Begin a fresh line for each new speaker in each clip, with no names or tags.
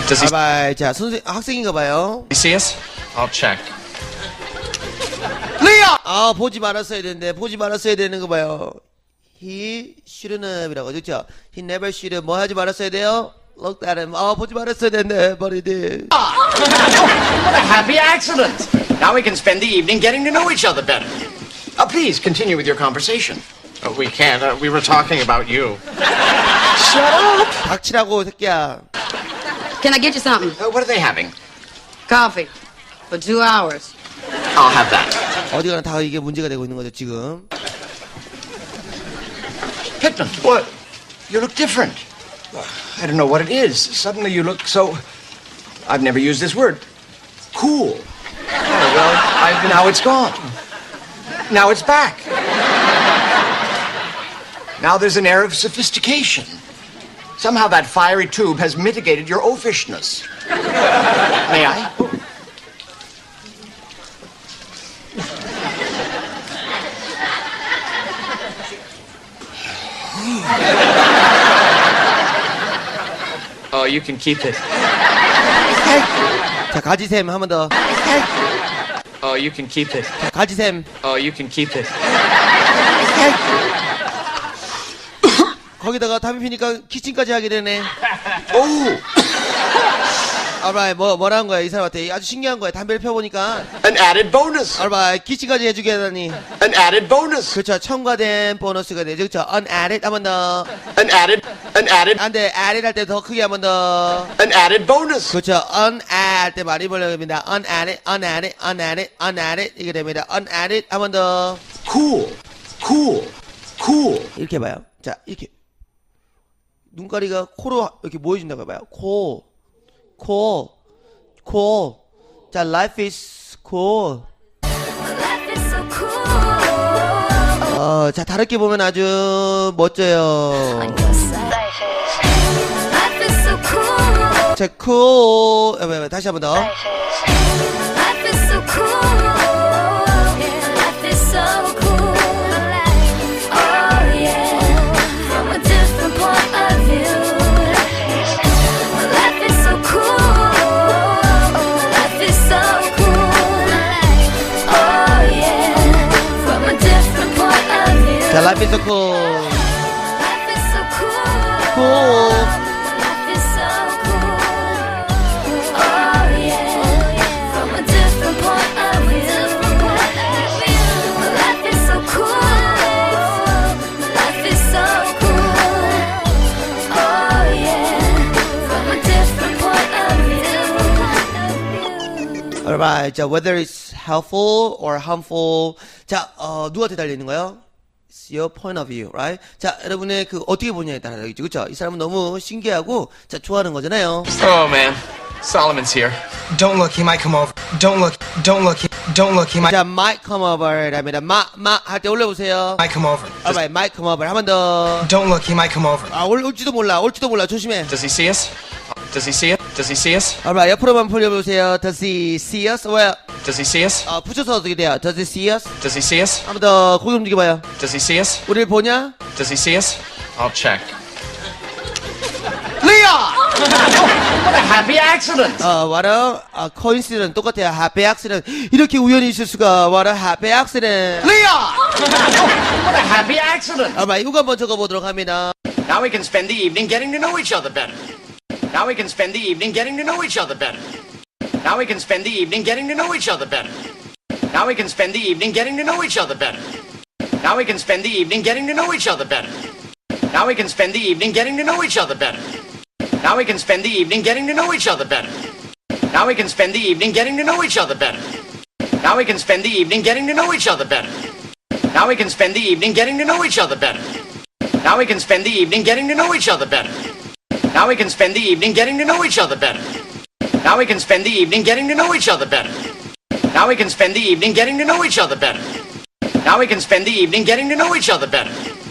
Does he
알바이. 자, 학생인가 봐요.
see us? I'll check.
리아! 아, 보지 말았어야 되는데, 보지 말았어야 되는 거 봐요. He shouldn't have이라고, 그렇죠? He never should have. 뭐 하지 말았어야 돼요? Look at him. 아, 보지 말았어야 되는데, but he did.
What a happy accident! Now we can spend the evening getting to know each other better. Please continue with your conversation.
We can't. We were talking about you.
Shut up!
닥치라고, 새끼야.
Can I get you something?
What are they having?
Coffee. For 2 hours.
I'll have that.
어디 가나 다 이게 문제가 되고 있는 거죠, 지금.
Pittman, what? You look different. I don't know what it is. Suddenly you look so... I've never used this word. Cool. Oh, well, now it's gone. Now it's back. Now there's an air of sophistication. Somehow that fiery tube has mitigated your oafishness. May I?
Oh, you can keep it.
자, 가지샘, 한 번 더.
Oh, you can keep it.
자, 가지샘.
Oh, you can keep it.
거기다가 담배 피니까 키친까지 하게 되네.
Oh,
알바이, 뭐라는 거야, 이 사람한테. 아주 신기한 거야. 담배를 펴보니까.
an added bonus.
알바이, 키친까지 해주게 하다니.
An added bonus.
그렇죠. 첨가된 보너스가 되죠. 그렇죠. unadded 한 번 더.
An added.
안 돼. added 할 때 더 크게 한 번 더.
An added bonus.
그렇죠. unadd 때 많이 벌려야 됩니다. unadded 이게 됩니다. unadded 한 번 더.
Cool.
이렇게 봐요. 자, 이렇게. 눈가리가 코로 이렇게 모여진다고 해봐요. 코. 자, life is cool. 자, 다르게 보면 아주 멋져요. 자, cool. 다시 한 번 더. 자, life is so cool. cool. Alright, 자, whether it's helpful or harmful. 자, 누구한테 달려 있는 거예요? It's your point of view, right? 자, 여러분의 그 어떻게 보냐에 따라 다르겠죠, 그렇죠? 이 사람은 너무 신기하고, 자, 좋아하는 거잖아요.
Oh man, Solomon's here.
Don't look, he might come over. Don't look, he might
자, might come over랍니다. 할 때 올려보세요.
come over.
Alright, might come over. 한 번 더.
Don't look, he might come over.
아, 올지도 몰라, 조심해.
Does he see us? Does he see it? Does he see us?
Alright, 옆으로만 돌려보세요. Does he see us? 왜?
Does he see us?
붙여서 어떻게 돼요? Does he see us?
Does he see us?
한 번 더 고개 움직여봐요.
Does he see us?
우리를 보냐?
Does he see us? I'll check.
Leon! What a happy accident!
what a coincidence. 똑같아요. happy accident. 이렇게 우연히 있을 수가. What a happy accident.
Leon! What a happy accident!
Alright, 이거 한번 적어보도록 합니다.
Now we can spend the evening getting to know each other better. Now we can spend the evening getting to know each other better. Now we can spend the evening getting to know each other better. Now we can spend the evening getting to know each other better. Now we can spend the evening getting to know each other better. Now we can spend the evening getting to know each other better. Now we can spend the evening getting to know each other better. Now we can spend the evening getting to know each other better. Now we can spend the evening getting to know each other better. Now we can spend the evening getting to know each other better. Now we can spend the evening getting to know each other better. Now we can spend the evening getting to know each other better. Now we can spend the evening getting to know each other better. Now we can spend the evening getting to know each other better. Now we can spend the evening getting to know each other better.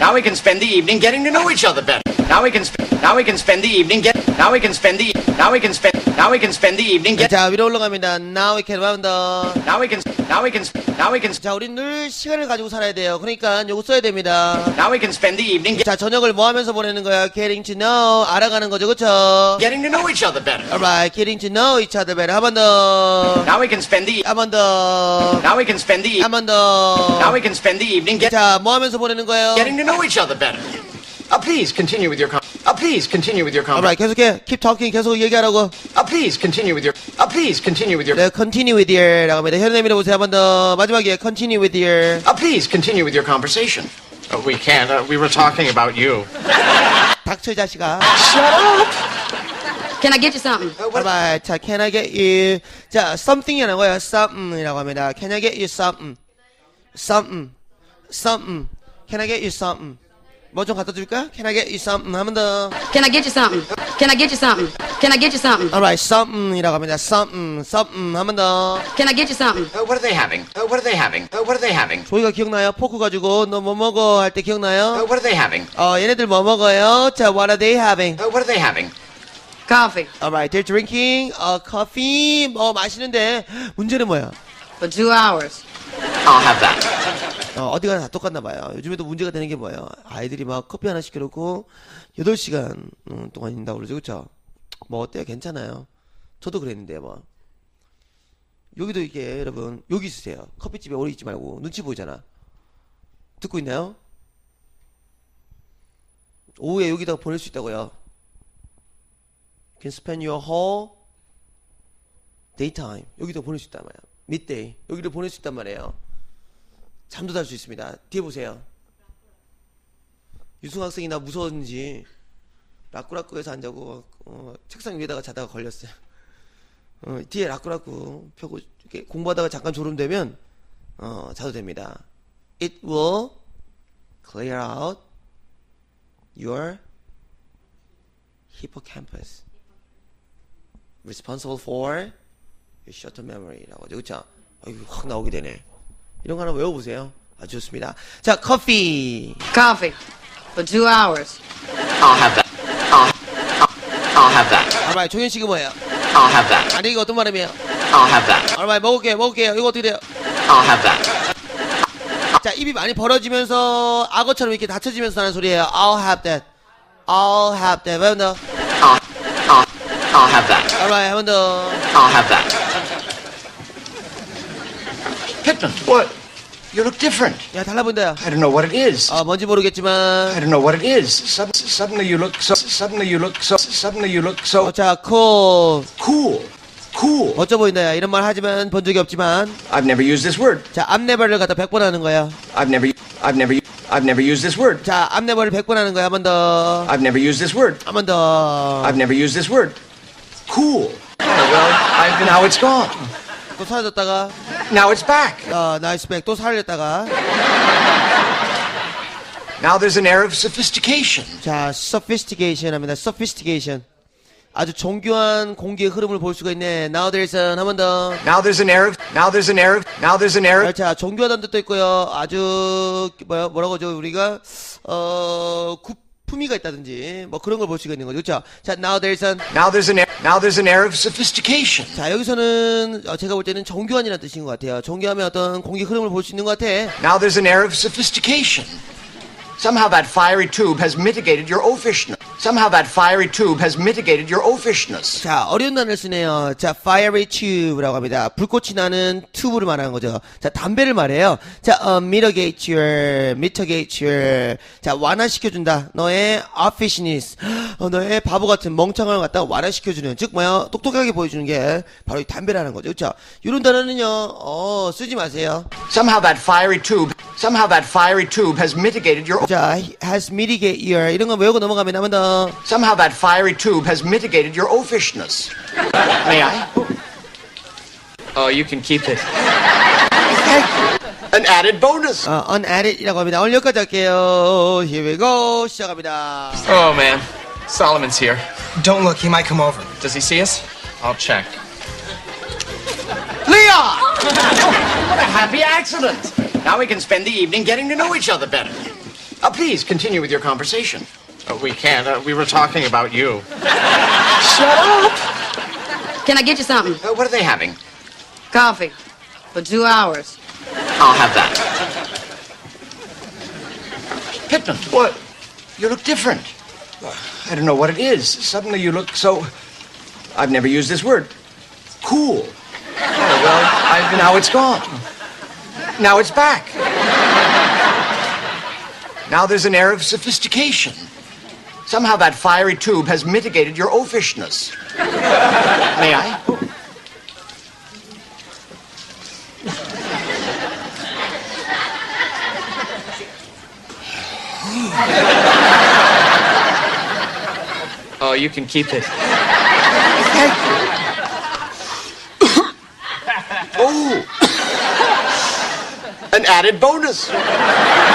Now we can spend the evening getting to know each other better. Now we can spend the evening now we can spend the evening
자, 위로 올라갑니다. Now we can 한번더
now we can
자, 우린 늘 시간을 가지고 살아야 돼요. 그러니까 요거 써야 됩니다.
now we can spend the evening
자, 저녁을 뭐 하면서 보내는 거야? Getting to know. 알아가는 거죠, 그쵸?
getting to know each other better.
Alright, getting to know each other better. 한 번 더.
Now we can spend the
한 번 더.
now we can spend the
한 번 더.
now we can spend the evening
자, 뭐 하면서 보내는 거예요?
getting to know each other better. Please continue with your please continue with your
Alright, 계속해. Keep talking. 계속 얘기하라고.
please continue with your please continue with your
네, continue with your 라고 합니다. 혀를 내밀어 보세요. 한 번 더. 마지막에 continue with your.
please continue with your conversation.
We can't. We were talking about you.
닥쳐, 이 자식아.
Can I get you something?
Alright, 자, can I get you. 자, something이라는 거예요. something이라고 합니다. Can I get you something? something. Can I get you something? 뭐 좀 갖다 줄까? Can I get you something? 한 번 더.
Can I get you something? Can I get you something? Can I get you something?
Alright, something이라고 합니다. something. 한 번 더.
Can I get you something?
What are they having? What are they having? What are they having?
조이가 기억나요? 포크 가지고 너 뭐 먹어 할 때 기억나요?
What are they having?
얘네들 뭐 먹어요? 자, what are they having?
What are they having?
Coffee.
Alright, they're drinking coffee. 마시는데 문제는 뭐야?
For 2 hours.
I'll have that.
어디 가나 다 똑같나 봐요. 요즘에도 문제가 되는 게 뭐예요? 아이들이 막 커피 하나 시켜놓고 8시간 동안 있는다고 그러죠, 그쵸? 뭐 어때요? 괜찮아요. 저도 그랬는데 뭐. 여기도 이게 여러분 여기 있으세요. 커피집에 오래 있지 말고 눈치 보이잖아. 듣고 있나요? 오후에 여기다가 보낼 수 있다고요. Can spend your whole daytime. 여기다 보낼 수 있단 말이야. midday. 여기를 보낼 수 있단 말이에요. 잠도 잘 수 있습니다. 뒤에 보세요. 유승 학생이 나 무서웠는지 라꾸라꾸에서 안 자고 책상 위에다가 자다가 걸렸어요. 뒤에 라꾸라꾸 펴고 이렇게 공부하다가 잠깐 졸음되면 자도 됩니다. It will clear out your hippocampus. Responsible for your short-term memory라고 하죠. 그쵸? 확 나오게 되네. 이런 거 하나 외워보세요. 아주 좋습니다. 자, 커피.
Coffee. For 2 hours.
I'll have that. I'll have that.
알바이, 종현 씨가 뭐예요?
I'll have that.
아니, 이거 어떤 말이에요?
I'll have that.
알바이, 먹을게요. 이거 어떻게 돼요?
I'll have that.
자, 입이 많이 벌어지면서 악어처럼 이렇게 닫혀지면서 하는 소리예요. I'll have that. I'll have that. 한 번 더.
I'll have that.
알바이, 한 번 더.
I'll have that. Pittman, what? You look different.
야, 달라 보인다.
I don't know what it is.
뭔지 모르겠지만.
I don't know what it is. Suddenly you look so.
자, cool.
Cool.
멋져 보인다. 야, 이런 말 하지만 본 적이 없지만.
I've never used this word.
자, 앞네버를 갖다 100번 하는 거야.
I've never used this word.
자, 앞네버를 100번 하는 거야. 한 번 더.
I've never used this word.
한 번 더.
I've never used this word. Cool. Well, now it's gone.
또 사라졌다가.
Now it's back.
나이스 백. 또 사라졌다가.
Now there's an air of sophistication.
자, sophistication 합니다. sophistication. 아주 정교한 공기의 흐름을 볼 수가 있네. Now there's 한 번 더.
Now there's an air of.
자, 정교하다는 뜻도 있고요. 아주 뭐라고 하죠? 우리가 품위가 있다든지 뭐 그런 걸 볼 수가 있는 거죠. 그렇죠? 자, now there's an air of sophistication. 자, 여기서는 제가 볼 때는 정교한이라는 뜻인 것 같아요. 정교하면 어떤 공기 흐름을 볼 수 있는 것 같아.
Now there's an air of sophistication. Somehow that fiery tube has mitigated your oafishness.
자, 어려운 단어를 쓰네요. 자, fiery tube라고 합니다. 불꽃이 나는 튜브를 말하는 거죠. 자, 담배를 말해요. 자, mitigate your. 자, 완화시켜준다. 너의 oafishness. 너의 바보 같은 멍청함을 갖다가 완화시켜주는. 즉, 똑똑하게 보여주는 게 바로 이 담배라는 거죠. 그렇죠? 이런 단어는요, 쓰지 마세요.
Somehow that fiery tube has mitigated your.
자, has mitigate your. 이런 거 외우고 넘어가면 한번 더.
Somehow that fiery tube has mitigated your oafishness. May I?
You can keep it.
An added bonus.
unadded이라고 합니다. 오늘 여기까지 할게요. Here we go. 시작합니다.
Oh man, Solomon's here.
Don't look, he might come over.
Does he see us? I'll check.
Leon! What a happy accident. Now we can spend the evening getting to know each other better. Please continue with your conversation.
We can't. We were talking about you.
Shut up!
Can I get you something?
What are they having?
Coffee. For 2 hours.
I'll have that. Pittman, what? You look different. I don't know what it is. Suddenly you look so... I've never used this word. Cool. Oh, well, now it's gone. Now it's back. Now there's an air of sophistication. Somehow that fiery tube has mitigated your oafishness. May I?
You can keep it.
Thank you. Oh! An added bonus.